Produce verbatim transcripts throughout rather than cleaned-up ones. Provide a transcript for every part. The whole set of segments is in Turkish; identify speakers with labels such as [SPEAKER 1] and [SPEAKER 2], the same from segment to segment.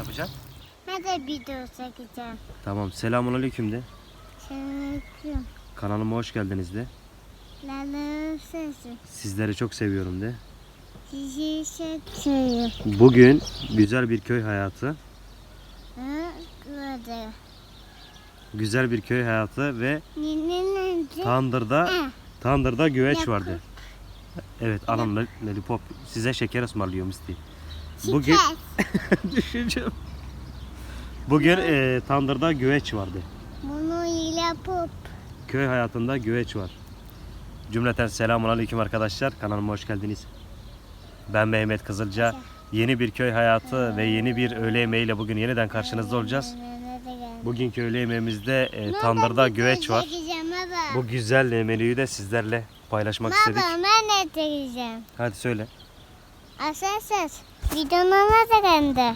[SPEAKER 1] yapacaksın?
[SPEAKER 2] Ben de video çekeceğim.
[SPEAKER 1] Tamam. Selamünaleyküm de.
[SPEAKER 2] Selamünaleyküm.
[SPEAKER 1] Kanalıma hoş geldiniz de.
[SPEAKER 2] Lalım sesi.
[SPEAKER 1] Sizleri çok seviyorum de.
[SPEAKER 2] Sizi seviyorum.
[SPEAKER 1] Bugün güzel bir köy hayatı.
[SPEAKER 2] Hı, böyle.
[SPEAKER 1] Güzel bir köy hayatı ve
[SPEAKER 2] Ninin
[SPEAKER 1] tandırda tandırda güveç
[SPEAKER 2] Yakın.
[SPEAKER 1] vardı. Evet, alın lo- lollipop. Size şeker ısmarlıyorum istedim. Bugün düşüneceğim. Bugün e, tandırda güveç vardı.
[SPEAKER 2] Bunu ile pop.
[SPEAKER 1] Köy hayatında güveç var. Cümleten selamünaleyküm arkadaşlar. Kanalıma hoş geldiniz. Ben Mehmet Kızılca. Yeni bir köy hayatı ve yeni bir öğle yemeğiyle bugün yeniden karşınızda olacağız. Bugünkü öğle yemeğimizde e, tandırda güveç var. Bu güzel menüyü de sizlerle paylaşmak istedik.
[SPEAKER 2] Baba ben de çekeceğim.
[SPEAKER 1] Hadi söyle.
[SPEAKER 2] Arkadaşlar videonun adı bende.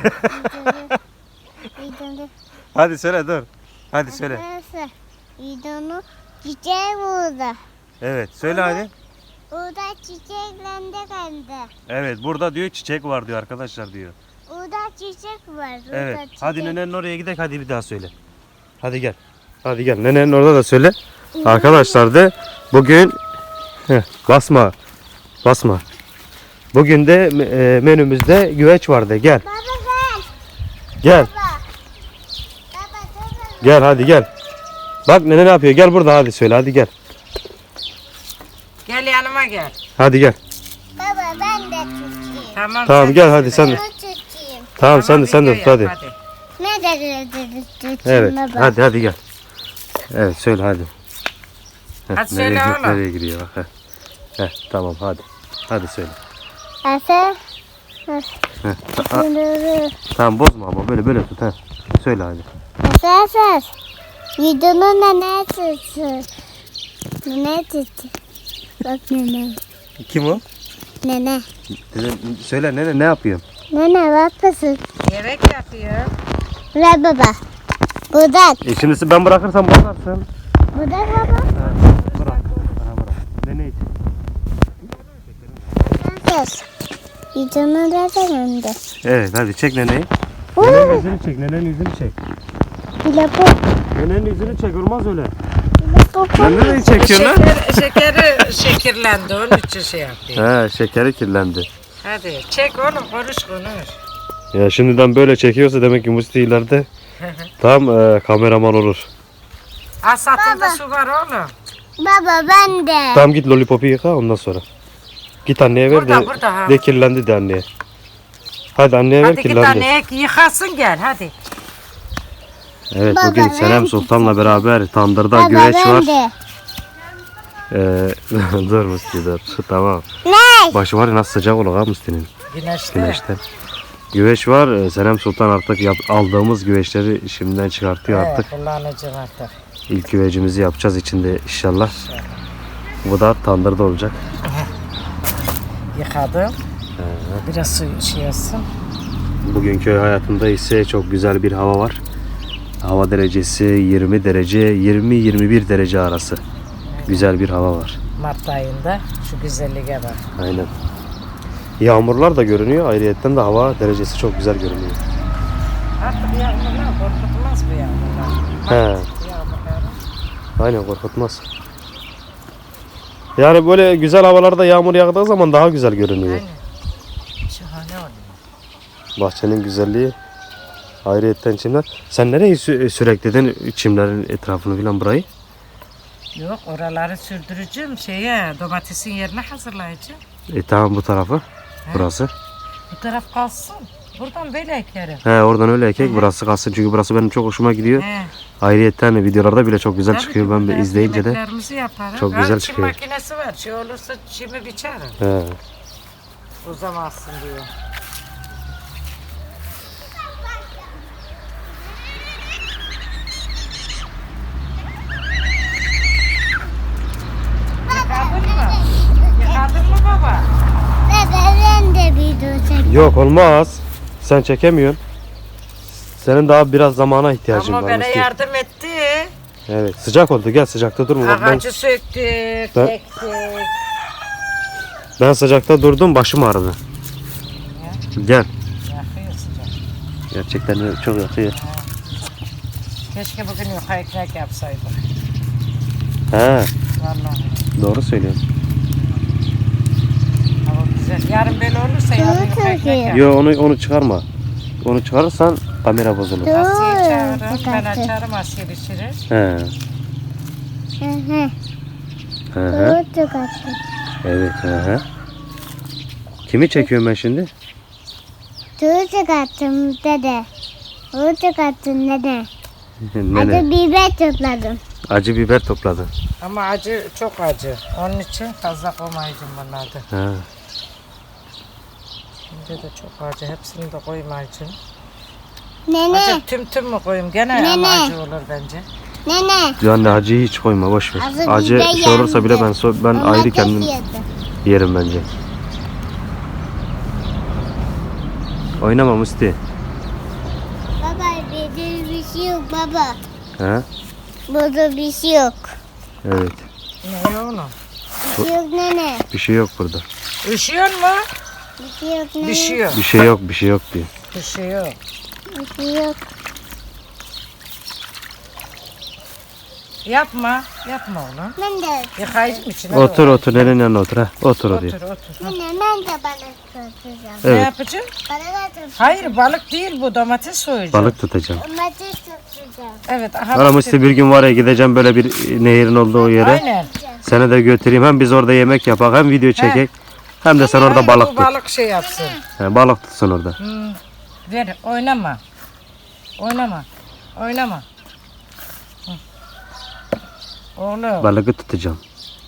[SPEAKER 2] Videonun
[SPEAKER 1] Hadi söyle dur. Hadi söyle.
[SPEAKER 2] Arkadaşlar videonun çiçeği burada.
[SPEAKER 1] Evet söyle hadi.
[SPEAKER 2] Burada çiçeklendi bende.
[SPEAKER 1] Evet burada diyor çiçek var diyor arkadaşlar diyor.
[SPEAKER 2] Burada çiçek var. Burada
[SPEAKER 1] Evet.
[SPEAKER 2] çiçek.
[SPEAKER 1] Hadi nenenin oraya gidelim, hadi bir daha söyle. Hadi gel. Hadi gel. Nenenin orada da söyle. Arkadaşlar de bugün Heh, basma. Basma. Bugün de e, menümüzde güveç vardı. Gel.
[SPEAKER 2] Baba gel.
[SPEAKER 1] Gel.
[SPEAKER 2] Baba. Baba baba.
[SPEAKER 1] Gel hadi gel. Bak nene ne yapıyor? Gel burada hadi söyle. Hadi gel.
[SPEAKER 3] Gel yanıma gel.
[SPEAKER 1] Hadi gel.
[SPEAKER 2] Baba ben de tutayım.
[SPEAKER 3] Tamam.
[SPEAKER 1] Tamam
[SPEAKER 3] sen
[SPEAKER 1] gel
[SPEAKER 3] de
[SPEAKER 1] hadi sen de.
[SPEAKER 2] Bunu tutayım.
[SPEAKER 1] Tamam sen de sen de
[SPEAKER 3] video
[SPEAKER 1] tut
[SPEAKER 3] yap,
[SPEAKER 1] hadi.
[SPEAKER 2] Ne de tutayım
[SPEAKER 1] Evet.
[SPEAKER 2] baba.
[SPEAKER 1] Hadi hadi gel. Evet söyle hadi. Heh,
[SPEAKER 3] Hadi söyle
[SPEAKER 1] nereye,
[SPEAKER 3] oğlum.
[SPEAKER 1] nereye giriyor bak. Heh. Heh, tamam hadi. Hadi söyle.
[SPEAKER 2] Asa.
[SPEAKER 1] Heh, ta- a- tamam bozma ama böyle böyle tut. Heh. Söyle hadi.
[SPEAKER 2] Asa asa. Videonun da ne tutsun? Ne tutsun? Bak nene.
[SPEAKER 1] Kim o?
[SPEAKER 2] Nene.
[SPEAKER 1] Nene, söyle nene ne yapıyorsun?
[SPEAKER 2] Nene bak kızım.
[SPEAKER 3] Yemek yapıyor.
[SPEAKER 2] Ver baba. Budak.
[SPEAKER 1] E şimdi ben bırakırsam bozarsın.
[SPEAKER 2] Budak baba.
[SPEAKER 1] Bırak. Aha, bırak. Nene için.
[SPEAKER 2] Asa. Videonun da önünde.
[SPEAKER 1] Evet hadi çek neneyi.
[SPEAKER 2] Uuu.
[SPEAKER 1] Nenenin yüzünü çek. Nenenin yüzünü çek.
[SPEAKER 2] Lapo.
[SPEAKER 1] Nenenin yüzünü çek. Olmaz öyle.
[SPEAKER 2] Lapo.
[SPEAKER 1] Sen nereyi çekiyorsun lan?
[SPEAKER 3] Şeker, şekeri şekerlendi. Onun için şey yapıyor.
[SPEAKER 1] He şekeri kirlendi.
[SPEAKER 3] Hadi çek oğlum, konuş konuş.
[SPEAKER 1] Ya şimdiden böyle çekiyorsa demek ki Musti ileride tam e, kameraman olur.
[SPEAKER 3] Asatında su var oğlum.
[SPEAKER 2] Baba ben de.
[SPEAKER 1] Tamam git lollipopu yıka ondan sonra. Git anneye ver
[SPEAKER 3] Burada,
[SPEAKER 1] de,
[SPEAKER 3] burada, ha.
[SPEAKER 1] de kirlendi de anneye. Hadi anneye ver
[SPEAKER 3] Hadi git
[SPEAKER 1] kirlendi.
[SPEAKER 3] anneye yıkasın gel hadi.
[SPEAKER 1] Evet
[SPEAKER 2] Baba,
[SPEAKER 1] bugün
[SPEAKER 2] ben
[SPEAKER 1] Senem Sultan'la beraber tandırda
[SPEAKER 2] Baba
[SPEAKER 1] güveç
[SPEAKER 2] ben
[SPEAKER 1] var.
[SPEAKER 2] de.
[SPEAKER 1] Ee, dur Musti dur. Tamam.
[SPEAKER 2] Ne?
[SPEAKER 1] Başı var ya nasıl sıcak olur ha Musti'nin
[SPEAKER 3] Güneşte.
[SPEAKER 1] güneşten. Güveç var. Ee, Senem Sultan artık yap, aldığımız güveçleri şimdiden çıkartıyor
[SPEAKER 3] Evet,
[SPEAKER 1] artık.
[SPEAKER 3] kullanacağım artık.
[SPEAKER 1] İlk güvecimizi yapacağız içinde inşallah. Bu da tandırda olacak.
[SPEAKER 3] Yıkadım. Biraz su şey olsun.
[SPEAKER 1] Bugün köy hayatında ise çok güzel bir hava var. Hava derecesi yirmi derece, yirmi yirmi bir derece arası. Güzel bir hava var.
[SPEAKER 3] Mart ayında şu güzelliğe bak.
[SPEAKER 1] Aynen. Yağmurlar da görünüyor. Ayrıyetten de hava derecesi çok güzel görünüyor.
[SPEAKER 3] Artık yağmurlar korkutmaz bu yağmurlar.
[SPEAKER 1] He.
[SPEAKER 3] Yağmurlar.
[SPEAKER 1] Aynen korkutmaz. Yani böyle güzel havalarda yağmur yağdığı zaman daha güzel görünüyor.
[SPEAKER 3] Aynen. Şahane oluyor.
[SPEAKER 1] Bahçenin güzelliği. Ayrıyetten çimler. Sen nereye sü- sürekli çimlerin etrafını falan burayı?
[SPEAKER 3] Yok, oraları sürdüreceğim şeye, domatesin yerine hazırlayacağım.
[SPEAKER 1] E tamam bu tarafı. Burası.
[SPEAKER 3] Bu taraf kalsın. Buradan böyle ekerim.
[SPEAKER 1] He oradan öyle ekek burası kalsın çünkü burası benim çok hoşuma gidiyor.
[SPEAKER 3] He.
[SPEAKER 1] Ayrıyetten videolarda bile çok güzel
[SPEAKER 3] Tabii
[SPEAKER 1] çıkıyor.
[SPEAKER 3] ki
[SPEAKER 1] Ben de
[SPEAKER 3] burada
[SPEAKER 1] izleyince de
[SPEAKER 3] yemeklerimizi yaparız.
[SPEAKER 1] çok
[SPEAKER 3] Ha,
[SPEAKER 1] güzel
[SPEAKER 3] çim
[SPEAKER 1] çıkıyor.
[SPEAKER 3] makinesi var. Şey olursa çimi biçerim.
[SPEAKER 1] he.
[SPEAKER 3] Uzamazsın diye. Yıkadın mı? Yıkadın mı baba?
[SPEAKER 2] Baba ben de video çekeceğim.
[SPEAKER 1] Yok olmaz. Sen çekemiyorsun. Senin daha biraz zamana ihtiyacın
[SPEAKER 3] Ama
[SPEAKER 1] var.
[SPEAKER 3] bana
[SPEAKER 1] Musti.
[SPEAKER 3] yardım etti.
[SPEAKER 1] Evet sıcak oldu gel sıcakta durma. Bak, Ben,
[SPEAKER 3] Ağacı söktük,
[SPEAKER 1] Ben-
[SPEAKER 3] ektik.
[SPEAKER 1] ben sıcakta durdum başım ağrıdı. Gel.
[SPEAKER 3] Yakıyor sıcak.
[SPEAKER 1] Gerçekten çok yatıyor.
[SPEAKER 3] Keşke bugün yuka ekmek yapsaydık.
[SPEAKER 1] Ha,
[SPEAKER 3] Vallahi.
[SPEAKER 1] doğru söylüyorsun.
[SPEAKER 3] Hava güzel. Yarın böyle olursa yarın yuka ekmek yap.
[SPEAKER 1] Yo onu onu çıkarma. Onu çıkarırsan kamera bozulur.
[SPEAKER 3] Asiye'yi çağırırım. Ben açarım, Asiye pişirir.
[SPEAKER 1] He.
[SPEAKER 2] Hı hı.
[SPEAKER 1] Hı hı.
[SPEAKER 2] Tuz çıkarttım.
[SPEAKER 1] Evet. Hı hı. Kimi çekiyorum ben şimdi?
[SPEAKER 2] Tuz çıkarttım dede. Tuz çıkarttım dede.
[SPEAKER 1] Nene.
[SPEAKER 2] Acı biber topladım.
[SPEAKER 1] Acı biber topladın.
[SPEAKER 3] Ama acı çok acı. Onun için fazla koymayacağım bunlarda.
[SPEAKER 1] Ha.
[SPEAKER 3] Şimdi de çok acı. Hepsini de koymayacağım.
[SPEAKER 2] Nene,
[SPEAKER 3] Acı tüm tüm mü koyayım? Gene
[SPEAKER 2] Nene.
[SPEAKER 3] ama acı olur bence.
[SPEAKER 2] nene.
[SPEAKER 1] Yani acıyı hiç koyma, boş ver.
[SPEAKER 2] Acı
[SPEAKER 1] Acı
[SPEAKER 2] biber
[SPEAKER 1] şey olursa bile
[SPEAKER 2] yandı.
[SPEAKER 1] ben so- ben
[SPEAKER 2] Domates
[SPEAKER 1] ayrı kendim
[SPEAKER 2] yedi.
[SPEAKER 1] yerim bence. Oynama Musti.
[SPEAKER 2] Baba burada bir şey yok baba.
[SPEAKER 1] Ha?
[SPEAKER 2] Burada bir şey yok.
[SPEAKER 1] Evet.
[SPEAKER 3] Ne oğlum?
[SPEAKER 2] Bir şey yok nene.
[SPEAKER 1] Bir şey yok burada.
[SPEAKER 3] Üşüyor mu?
[SPEAKER 2] Bir şey yok nene.
[SPEAKER 3] Düşüyor.
[SPEAKER 1] Bir şey yok, bir şey yok diyor.
[SPEAKER 3] Düşüyor.
[SPEAKER 2] Bir şey yok.
[SPEAKER 3] Yapma. Yapma oğlum.
[SPEAKER 2] Ben de.
[SPEAKER 3] Yıkayacağım içine.
[SPEAKER 1] Otur otur, nenenin yanına otur ha. Otur
[SPEAKER 3] Otur
[SPEAKER 1] oraya.
[SPEAKER 3] otur.
[SPEAKER 2] Nene ben de balık tutacağım.
[SPEAKER 3] Ne
[SPEAKER 1] Evet.
[SPEAKER 3] yapacağım?
[SPEAKER 2] Balık tutacağım.
[SPEAKER 3] Hayır balık değil bu, domates soyacağım.
[SPEAKER 1] Balık tutacağım.
[SPEAKER 2] Domates tutacağım.
[SPEAKER 3] Evet. Aha,
[SPEAKER 1] Ana
[SPEAKER 3] bak
[SPEAKER 1] Musti, bir gün var ya gideceğim böyle bir nehirin olduğu yere.
[SPEAKER 3] Aynen.
[SPEAKER 1] Seni de götüreyim, hem biz orada yemek yapak, hem video çekek. Hem de sen orada
[SPEAKER 3] Hayır,
[SPEAKER 1] balık
[SPEAKER 3] bu
[SPEAKER 1] tut.
[SPEAKER 3] balık şey yapsın.
[SPEAKER 1] He, balık tutsun orada.
[SPEAKER 3] Hmm. Ver oynama. Oynama. Oynama. Hı. Oğlum.
[SPEAKER 1] Balığı tutacağım.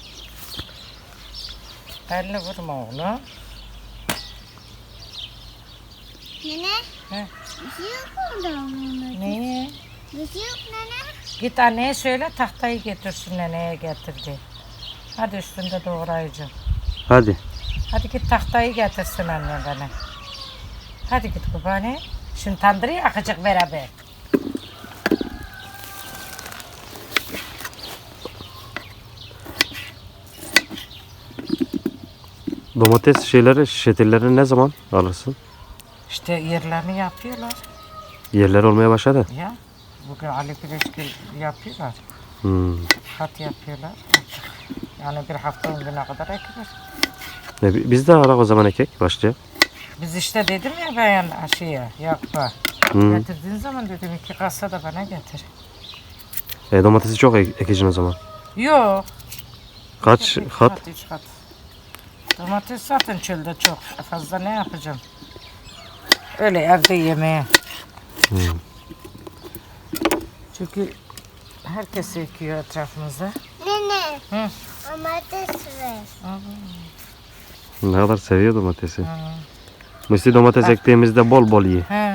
[SPEAKER 3] Elini vurma oğlum.
[SPEAKER 2] Nene.
[SPEAKER 3] He.
[SPEAKER 2] Bir şey yok burada.
[SPEAKER 3] Niye?
[SPEAKER 2] Bir şey yok nene.
[SPEAKER 3] Git anneye söyle tahtayı getirsin, neneye getirdi. Hadi üstünde doğrayacağım.
[SPEAKER 1] Hadi.
[SPEAKER 3] Hadi git tahtayı getirsin anne bana. Hadi git kubani. Şimdi tandırı yakacak beraber.
[SPEAKER 1] Domates şeyleri, şişetirlerini ne zaman alırsın?
[SPEAKER 3] İşte yerlerini yapıyorlar
[SPEAKER 1] Yerler olmaya başladı.
[SPEAKER 3] ya. Bugün Ali Güleşgil yapıyorlar.
[SPEAKER 1] Hmm.
[SPEAKER 3] Hat yapıyorlar. Yani bir hafta on güne kadar ekilir.
[SPEAKER 1] Ne, bi- biz de alak o zaman ekek başlayalım.
[SPEAKER 3] Biz işte dedim ya ben aşıya yapma.
[SPEAKER 1] Hmm.
[SPEAKER 3] Getirdiğin zaman dedim iki kasa da bana getir.
[SPEAKER 1] E, domatesi çok ek- ekeceksin o zaman.
[SPEAKER 3] Yok.
[SPEAKER 1] Kaç
[SPEAKER 3] İki
[SPEAKER 1] kat?
[SPEAKER 3] kat, üç kat. Domates zaten çölde çok. Fazla ne yapacağım? Öyle evde yemeğe.
[SPEAKER 1] Hmm.
[SPEAKER 3] Çünkü herkes ekiyor etrafımızda.
[SPEAKER 2] Nene.
[SPEAKER 3] Hı.
[SPEAKER 2] Domates ver.
[SPEAKER 1] Ne kadar seviyor domatesi.
[SPEAKER 3] Hı.
[SPEAKER 1] Musti, domates ektiğimizde bol bol ye.
[SPEAKER 3] He.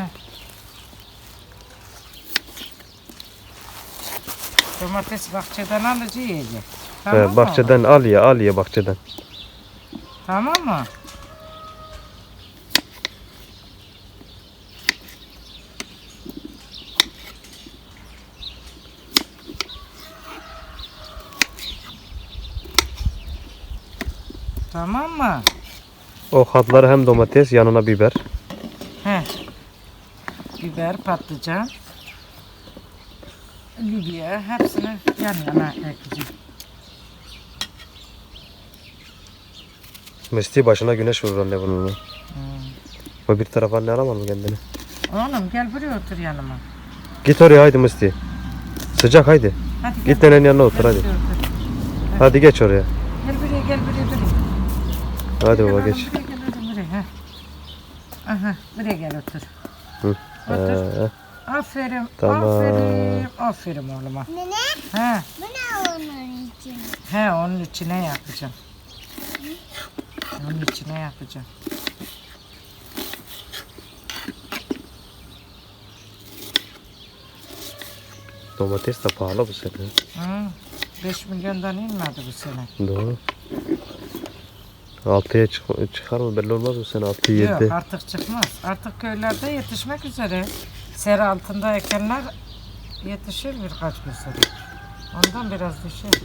[SPEAKER 3] Domates bahçeden alıcı yiyecek. Tamam
[SPEAKER 1] He,
[SPEAKER 3] mı?
[SPEAKER 1] bahçeden al ye, al ye bahçeden.
[SPEAKER 3] Tamam mı? Tamam mı?
[SPEAKER 1] O katları hem domates, yanına biber.
[SPEAKER 3] He. Biber, patlıcan, Libya hepsini yan yana ekleyeceğim.
[SPEAKER 1] Musti, başına güneş vurur anne bununla.
[SPEAKER 3] Hmm.
[SPEAKER 1] O bir tarafa anne alamaz mı kendini?
[SPEAKER 3] Oğlum gel buraya otur yanıma.
[SPEAKER 1] Git oraya haydi Musti. Sıcak haydi.
[SPEAKER 3] Hadi gel.
[SPEAKER 1] Git nenenin yanına otur
[SPEAKER 3] Gel
[SPEAKER 1] hadi.
[SPEAKER 3] buraya otur.
[SPEAKER 1] Hadi geç oraya.
[SPEAKER 3] Gel buraya gel buraya buraya.
[SPEAKER 1] Hadi
[SPEAKER 3] Gel
[SPEAKER 1] baba
[SPEAKER 3] oğlum,
[SPEAKER 1] geç.
[SPEAKER 3] Buraya gel oğlum buraya. Heh. Aha buraya gel otur.
[SPEAKER 1] Hı.
[SPEAKER 3] Otur.
[SPEAKER 1] Ee,
[SPEAKER 3] Aferin.
[SPEAKER 1] Tamam.
[SPEAKER 3] Aferin. Aferin oğluma.
[SPEAKER 2] Nene.
[SPEAKER 3] He.
[SPEAKER 2] Bu ne onun için?
[SPEAKER 3] He onun içine yapacağım. Onun içine yapacağım.
[SPEAKER 1] domates de pahalı bu sene.
[SPEAKER 3] Hı. beş milyondan inmedi bu sene.
[SPEAKER 1] Doğru. altıya çık çıkar mı belli olmaz bu sene. altı
[SPEAKER 3] Yok
[SPEAKER 1] yedi.
[SPEAKER 3] artık çıkmaz. Artık köylerde yetişmek üzere. Sera altında ekenler yetişir birkaç gün sonra. Ondan biraz düşer.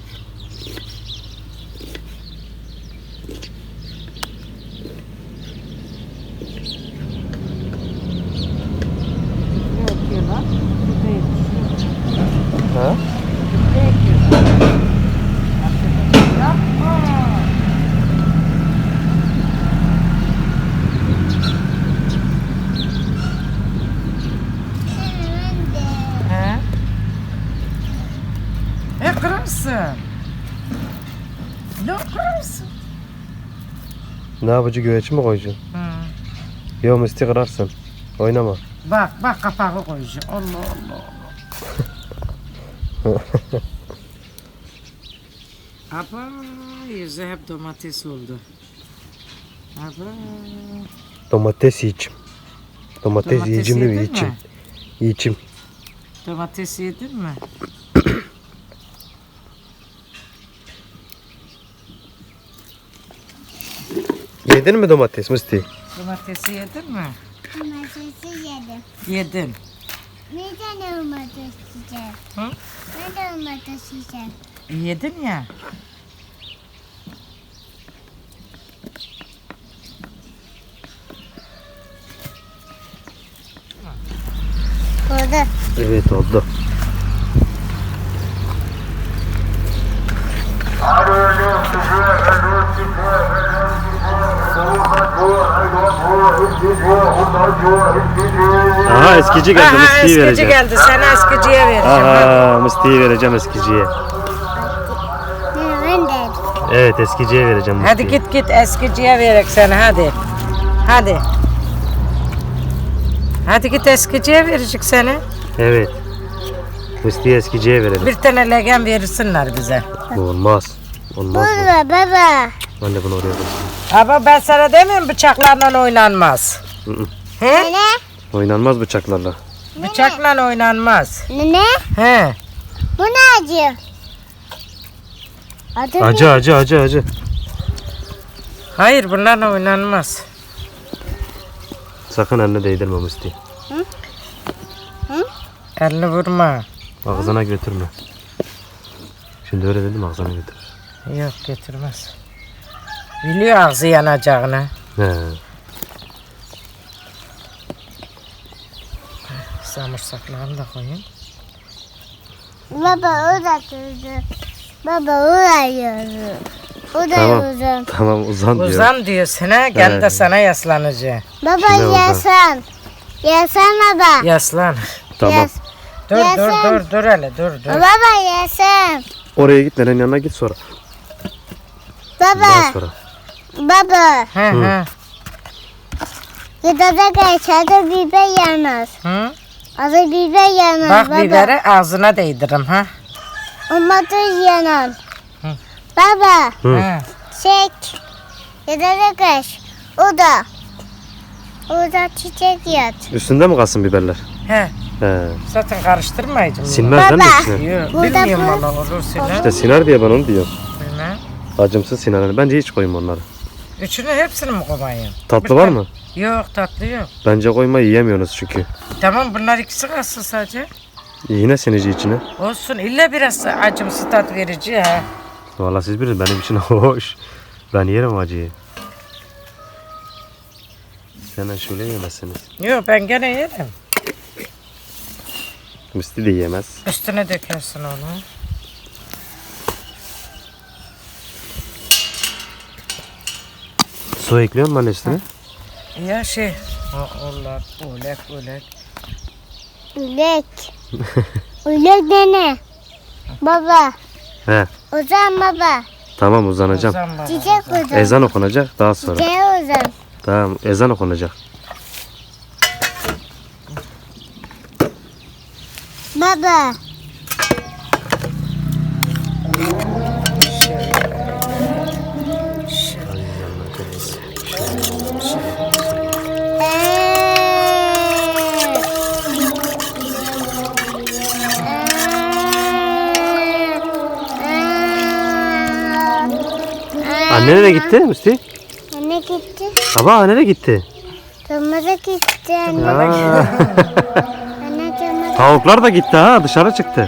[SPEAKER 1] Ne yapıcı güveç mi koyacaksın?
[SPEAKER 3] Hı.
[SPEAKER 1] Yok Musti kırarsın. Oynama.
[SPEAKER 3] Bak bak kapağı koyacağım. Allah Allah Allah. Aba yüzü hep domates oldu. Aba.
[SPEAKER 1] Domates yiyeceğim. Domates,
[SPEAKER 3] Domates
[SPEAKER 1] yiyeceğim değil mi?
[SPEAKER 3] yedin
[SPEAKER 1] Yiyeceğim.
[SPEAKER 3] mi?
[SPEAKER 1] Yiyeceğim.
[SPEAKER 3] Domates yedin mi?
[SPEAKER 1] Yedin mi domates Musti?
[SPEAKER 3] Domatesi yedin mi?
[SPEAKER 2] Domatesi yedim.
[SPEAKER 3] Yedin.
[SPEAKER 2] Bir tane domates yiyeceğim.
[SPEAKER 3] Hı?
[SPEAKER 2] Bir de domates yiyeceğim.
[SPEAKER 3] Yedin ya.
[SPEAKER 2] Burada.
[SPEAKER 1] Evet oldu. Aha eskici geldi.
[SPEAKER 3] Aha
[SPEAKER 1] Musti'yi
[SPEAKER 3] eskici
[SPEAKER 1] vereceğim.
[SPEAKER 3] geldi. Sana eskiciye vereceğim.
[SPEAKER 1] Aha Musti'yi vereceğim eskiciye.
[SPEAKER 2] Ne ben de.
[SPEAKER 1] Evet eskiciye vereceğim Musti'yi.
[SPEAKER 3] Hadi git git eskiciye verek sana hadi. Hadi. Hadi git eskiciye verecek seni.
[SPEAKER 1] Evet. Musti'yi eskiciye verelim.
[SPEAKER 3] Bir tane legen verirsinler bize.
[SPEAKER 1] Bu olmaz. Olmaz bu.
[SPEAKER 2] Burada baba.
[SPEAKER 1] Ben de bunu oraya koyayım.
[SPEAKER 3] Ama ben sana demiyorum bıçaklarla oynanmaz.
[SPEAKER 1] Hı hı.
[SPEAKER 3] He?
[SPEAKER 2] Ne?
[SPEAKER 1] Oynanmaz bıçaklarla.
[SPEAKER 3] Bıçakla oynanmaz.
[SPEAKER 2] Ne?
[SPEAKER 3] He.
[SPEAKER 2] Bu ne acı? Adı
[SPEAKER 1] Acı acı acı acı.
[SPEAKER 3] Hayır bunlarla oynanmaz.
[SPEAKER 1] Sakın eline değdirme Musti.
[SPEAKER 3] Elini vurma.
[SPEAKER 1] Ağzına götürme. Şimdi öyle dedim ağzına götür.
[SPEAKER 3] Yok getirmez. Biliyor ağzı yanacağını.
[SPEAKER 1] He.
[SPEAKER 3] Samırsaklarını da koyayım.
[SPEAKER 2] Baba o da durdu. Baba o da yürü. O da
[SPEAKER 1] Tamam.
[SPEAKER 2] uzun.
[SPEAKER 1] Tamam uzan diyor.
[SPEAKER 3] Uzan diyorsun ha. Gel
[SPEAKER 1] He.
[SPEAKER 3] de sana yaslanacağım.
[SPEAKER 2] Baba
[SPEAKER 1] Şuna uzan.
[SPEAKER 2] yasan. Yasan baba.
[SPEAKER 3] Yaslan.
[SPEAKER 1] Tamam.
[SPEAKER 2] Yas.
[SPEAKER 3] Dur
[SPEAKER 2] Yaslan.
[SPEAKER 3] dur dur dur hele dur dur.
[SPEAKER 2] Baba yasan.
[SPEAKER 1] Oraya git nenenin yanına git sonra. Daha
[SPEAKER 2] Baba.
[SPEAKER 1] sonra.
[SPEAKER 2] Baba.
[SPEAKER 3] He
[SPEAKER 1] Hı.
[SPEAKER 3] he.
[SPEAKER 2] Gıdada geçerde biber yanar.
[SPEAKER 3] Hı?
[SPEAKER 2] Adı biber yanar
[SPEAKER 3] Bak
[SPEAKER 2] baba.
[SPEAKER 3] biberi ağzına değdirim ha.
[SPEAKER 2] Domates yanar.
[SPEAKER 3] Hı.
[SPEAKER 2] Baba.
[SPEAKER 1] Hı.
[SPEAKER 3] He.
[SPEAKER 2] Çek. Gıdada geç. O da. O da çiçek yat.
[SPEAKER 1] Üstünde mi kalsın biberler?
[SPEAKER 3] He.
[SPEAKER 1] He.
[SPEAKER 3] Zaten karıştırmayacağım.
[SPEAKER 1] Sinmez değil mi
[SPEAKER 2] Baba.
[SPEAKER 1] üstüne?
[SPEAKER 3] Yok
[SPEAKER 2] Burada
[SPEAKER 3] bilmiyorum
[SPEAKER 2] bu-
[SPEAKER 3] valla olur siner.
[SPEAKER 1] İşte siner diye ben onu diyorum.
[SPEAKER 3] Bilmem.
[SPEAKER 1] Acımsız siner. Yani bence hiç koyma onları.
[SPEAKER 3] Üçünü hepsini mi koyayım?
[SPEAKER 1] Tatlı var mı?
[SPEAKER 3] Yok tatlı yok.
[SPEAKER 1] Bence koyma yiyemiyorsunuz çünkü.
[SPEAKER 3] Tamam bunlar ikisi kalsın sadece.
[SPEAKER 1] Yine sinici içine.
[SPEAKER 3] Olsun illa biraz acımsı tat verici ha.
[SPEAKER 1] Vallahi siz bilin benim için hoş. Ben yerim acıyı. Sen şöyle yemezsiniz.
[SPEAKER 3] Yok ben gene yerim.
[SPEAKER 1] Musti de yemez.
[SPEAKER 3] Üstüne dökersin onu.
[SPEAKER 1] Su ekliyor musun anne üstüne?
[SPEAKER 3] Ya şey. O, onlar olek olek.
[SPEAKER 2] Ülek. Ülek dene. Baba.
[SPEAKER 1] He.
[SPEAKER 2] Uzan baba.
[SPEAKER 1] Tamam uzanacağım.
[SPEAKER 3] Ozan baba,
[SPEAKER 2] Çiçek
[SPEAKER 3] ozan.
[SPEAKER 2] uzan.
[SPEAKER 1] Ezan okunacak daha sonra.
[SPEAKER 2] Çiçeğe uzan.
[SPEAKER 1] Tamam ezan okunacak.
[SPEAKER 2] Baba.
[SPEAKER 1] Anne nereye gitti Musti?
[SPEAKER 2] Anne gitti.
[SPEAKER 1] Baba nereye gitti?
[SPEAKER 2] Tırmıza gitti anne.
[SPEAKER 1] Aa,
[SPEAKER 2] Anne tırmıza.
[SPEAKER 1] tavuklar da gitti ha dışarı çıktı.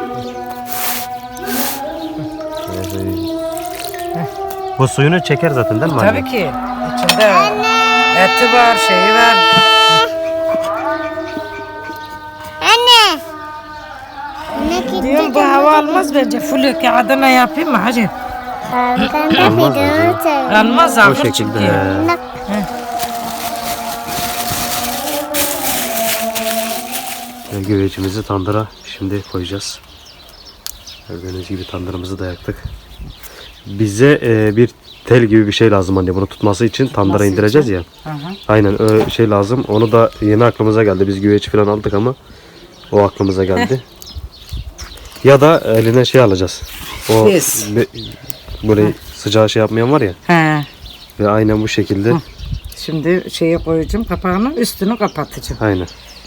[SPEAKER 1] Bu suyunu çeker zaten değil mi anne?
[SPEAKER 3] Tabii ki. İçinde eti var, şeyi var.
[SPEAKER 2] Anne. Anne gitti.
[SPEAKER 3] Diyorum bu hava almaz bence. Full kağıdına yapayım mı hacı?
[SPEAKER 2] Ben de
[SPEAKER 1] Olmaz
[SPEAKER 2] videomu çekeyim.
[SPEAKER 3] Almaz
[SPEAKER 1] O
[SPEAKER 3] ahır
[SPEAKER 1] şekilde.
[SPEAKER 3] çünkü.
[SPEAKER 1] he.
[SPEAKER 2] Bak.
[SPEAKER 1] Ve güvecimizi tandıra şimdi koyacağız. Gördüğünüz gibi tandırımızı da yaktık. Bize e, bir tel gibi bir şey lazım anne bunu tutması için tandıra
[SPEAKER 3] Nasıl
[SPEAKER 1] indireceğiz
[SPEAKER 3] için?
[SPEAKER 1] ya.
[SPEAKER 3] Hı hı.
[SPEAKER 1] Aynen öyle şey lazım. Onu da yeni aklımıza geldi. Biz güveç falan aldık ama o aklımıza geldi. Ya da eline şey alacağız. O
[SPEAKER 3] Bez.
[SPEAKER 1] be- böyle sıcağı şey yapmayan var ya.
[SPEAKER 3] He.
[SPEAKER 1] Ve aynen bu şekilde.
[SPEAKER 3] Hı. Şimdi şeye koyacağım kapağını, üstünü kapatacağım.
[SPEAKER 1] Aynen.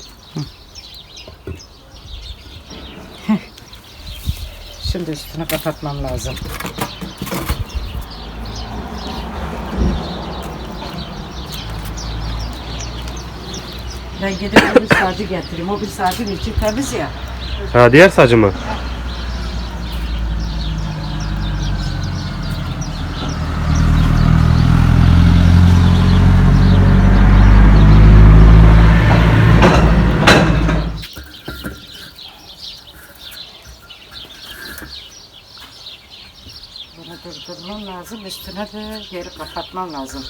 [SPEAKER 3] Şimdi üstünü kapatmam lazım. Ben gidip bir sacı getireyim. O bir sacın içi temiz ya.
[SPEAKER 1] Ha diğer sacı mı?
[SPEAKER 3] Bunu durdurmam lazım. Üstüne de geri kapatmam lazım.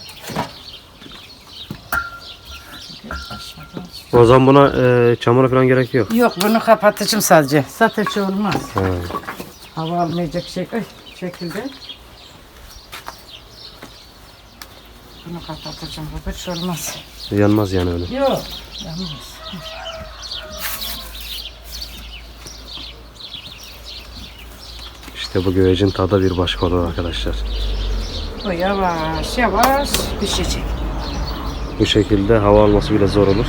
[SPEAKER 3] Çünkü aşağıdan...
[SPEAKER 1] O zaman buna e, çamura falan gerek yok.
[SPEAKER 3] Yok bunu kapatacağım sadece. Zaten şey olmaz.
[SPEAKER 1] Ha.
[SPEAKER 3] Hava almayacak şey, ay, şekilde. Bunu kapatacağım. Bu hiç olmaz.
[SPEAKER 1] Yanmaz yani öyle.
[SPEAKER 3] Yok. Yanmaz.
[SPEAKER 1] İşte bu güvecin tadı bir başka olur arkadaşlar.
[SPEAKER 3] Bu yavaş yavaş pişecek.
[SPEAKER 1] Bu şekilde hava alması bile zor olur.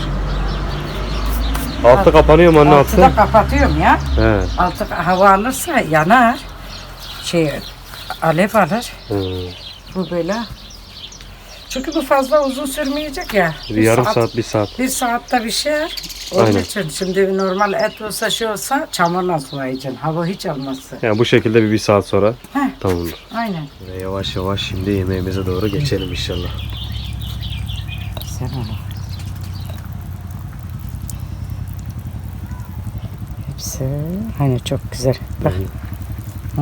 [SPEAKER 1] Altı kapanıyor mu anne altı?
[SPEAKER 3] Altı da kapatıyorum ya.
[SPEAKER 1] He.
[SPEAKER 3] Altı hava alırsa yanar. Şey alev alır.
[SPEAKER 1] Hı.
[SPEAKER 3] Bu böyle. Çünkü bu fazla uzun sürmeyecek ya.
[SPEAKER 1] Bir yarım saat, bir saat.
[SPEAKER 3] Bir saatte pişer. Onun
[SPEAKER 1] Aynen.
[SPEAKER 3] için şimdi normal et olsa şey olsa çamurla sulayacaksın. Hava hiç almazsa.
[SPEAKER 1] Yani bu şekilde bir, bir saat sonra
[SPEAKER 3] Heh.
[SPEAKER 1] tamamdır.
[SPEAKER 3] Aynen.
[SPEAKER 1] Ve yavaş yavaş şimdi yemeğimize doğru geçelim inşallah.
[SPEAKER 3] Sen onu. Hepsi hani çok güzel. Bak. Hı.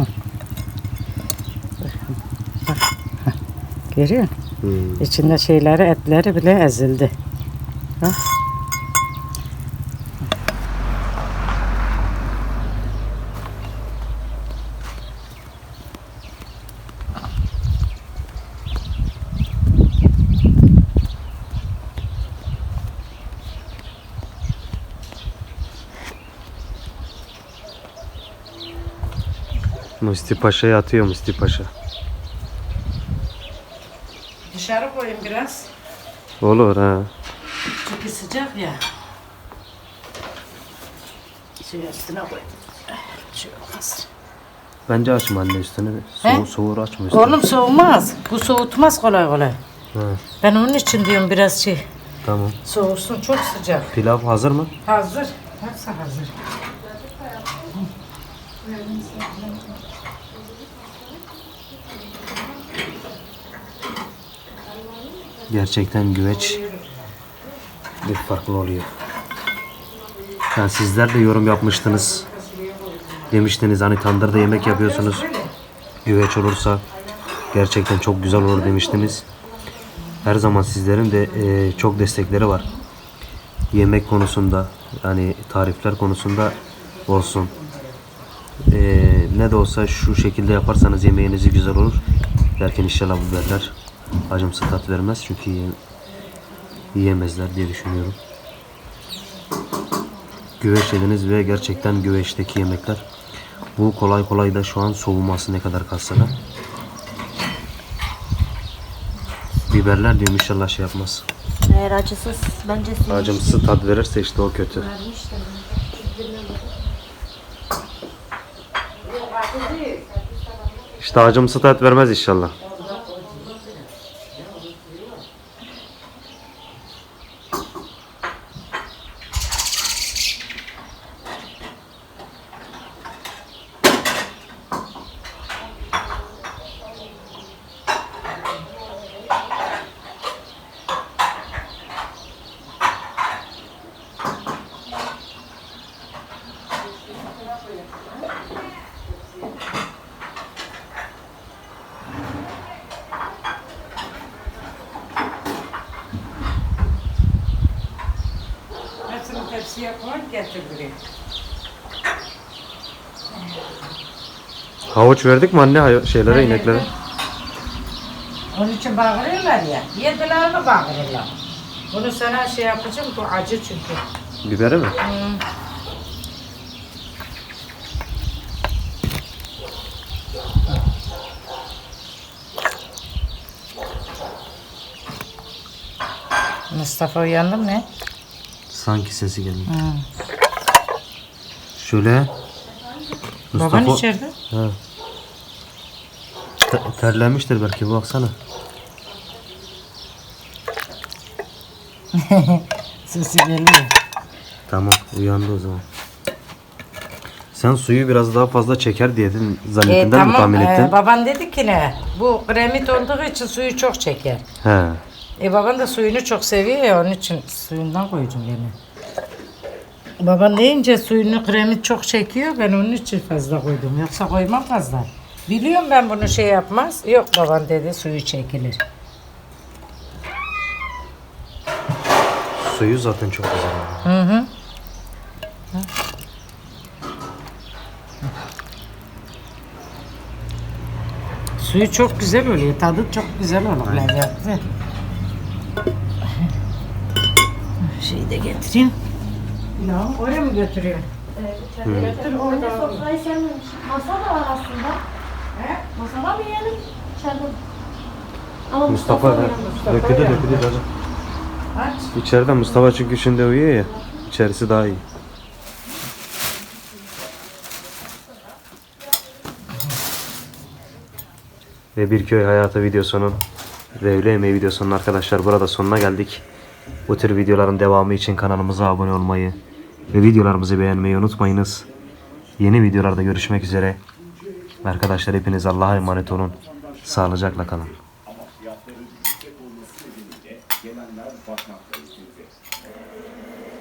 [SPEAKER 3] Bak. Heh. Görüyor musun?
[SPEAKER 1] Hmm.
[SPEAKER 3] İçinde şeyleri, etleri bile ezildi. Bak.
[SPEAKER 1] Musti Paşa'ya atıyor Musti Paşa.
[SPEAKER 3] Dışarı koyayım biraz.
[SPEAKER 1] Olur ha.
[SPEAKER 3] Çünkü sıcak ya. Şey üstüne koy. Şey olmaz.
[SPEAKER 1] Bence açma anne üstünü.
[SPEAKER 3] He?
[SPEAKER 1] Soğur, soğur açma üstünü.
[SPEAKER 3] Oğlum soğumaz. Bu soğutmaz kolay kolay.
[SPEAKER 1] Ha,
[SPEAKER 3] Ben onun için diyorum biraz şey.
[SPEAKER 1] tamam.
[SPEAKER 3] Soğusun çok sıcak.
[SPEAKER 1] Pilav hazır mı?
[SPEAKER 3] Hazır. Hepsi hazır.
[SPEAKER 1] Gerçekten güveç bir farklı oluyor. Yani sizler de yorum yapmıştınız. Demiştiniz hani tandırda yemek yapıyorsunuz. Güveç olursa gerçekten çok güzel olur demiştiniz. Her zaman sizlerin de e, çok destekleri var. Yemek konusunda yani tarifler konusunda olsun. E, ne de olsa şu şekilde yaparsanız yemeğinizi güzel olur. Derken inşallah bu biberler acımsı tat vermez çünkü yiye- yiyemezler diye düşünüyorum. Güveç yediniz ve gerçekten güveçteki yemekler bu kolay kolay da şu an soğuması ne kadar kalsa da biberler diyorum inşallah şey yapmaz.
[SPEAKER 2] Eğer acısız bence sinir.
[SPEAKER 1] Acımsı tat verirse işte o kötü. İşte acımsı tat vermez inşallah.
[SPEAKER 3] Hepsini tepsiye koy getir buraya.
[SPEAKER 1] Havuç verdik mi anne hay- şeylere ineklere?
[SPEAKER 3] Onun için bağırıyorlar ya. Yediler mi bağırıyorlar? Bunu sana şey yapacağım, bu acı çünkü.
[SPEAKER 1] Biberi mi?
[SPEAKER 3] Hmm. Mustafa uyandı mı ne?
[SPEAKER 1] Sanki sesi geliyor.
[SPEAKER 3] Hmm.
[SPEAKER 1] Şöyle.
[SPEAKER 3] Baban içeride.
[SPEAKER 1] Ha. Te- terlenmiştir belki, baksana.
[SPEAKER 3] Sesi geliyor.
[SPEAKER 1] Tamam, uyandı o zaman. Sen suyu biraz daha fazla çeker diye dedin, zannettiğinden
[SPEAKER 3] E,
[SPEAKER 1] mi
[SPEAKER 3] tamam,
[SPEAKER 1] tahmin ettin?
[SPEAKER 3] e, baban dedi ki ne? Bu kremit olduğu için suyu çok çeker.
[SPEAKER 1] He.
[SPEAKER 3] E baban da suyunu çok seviyor ya, onun için suyundan koydum gene. Baban deyince suyunu kremit çok çekiyor, ben onun için fazla koydum. Yoksa koymam fazla. Biliyorum ben bunu şey yapmaz. Yok baban dedi suyu çekilir.
[SPEAKER 1] Suyu zaten çok güzel.
[SPEAKER 3] Hı hı. Suyu çok güzel oluyor. Tadı çok güzel olur. Lezzetli. Şeyi de getireyim. Ya oraya mı götürüyorsun? Götür orada.
[SPEAKER 2] Sofrayı sevmemişim. Masa da var aslında.
[SPEAKER 3] He?
[SPEAKER 2] Masada mı yiyelim? İçeride mi? Ama
[SPEAKER 1] Mustafa,
[SPEAKER 2] Mustafa,
[SPEAKER 1] he. Döküldü döküldü canım.
[SPEAKER 3] Aç.
[SPEAKER 1] İçeride Mustafa çünkü şimdi uyuyor ya. İçerisi daha iyi. Ve bir köy hayatı videosunun ve öğle yemeği videosunun arkadaşlar burada sonuna geldik. Bu tür videoların devamı için kanalımıza abone olmayı ve videolarımızı beğenmeyi unutmayınız. Yeni videolarda görüşmek üzere. Arkadaşlar hepiniz Allah'a emanet olun. Sağlıcakla kalın.
[SPEAKER 4] Gelenler bakmakta.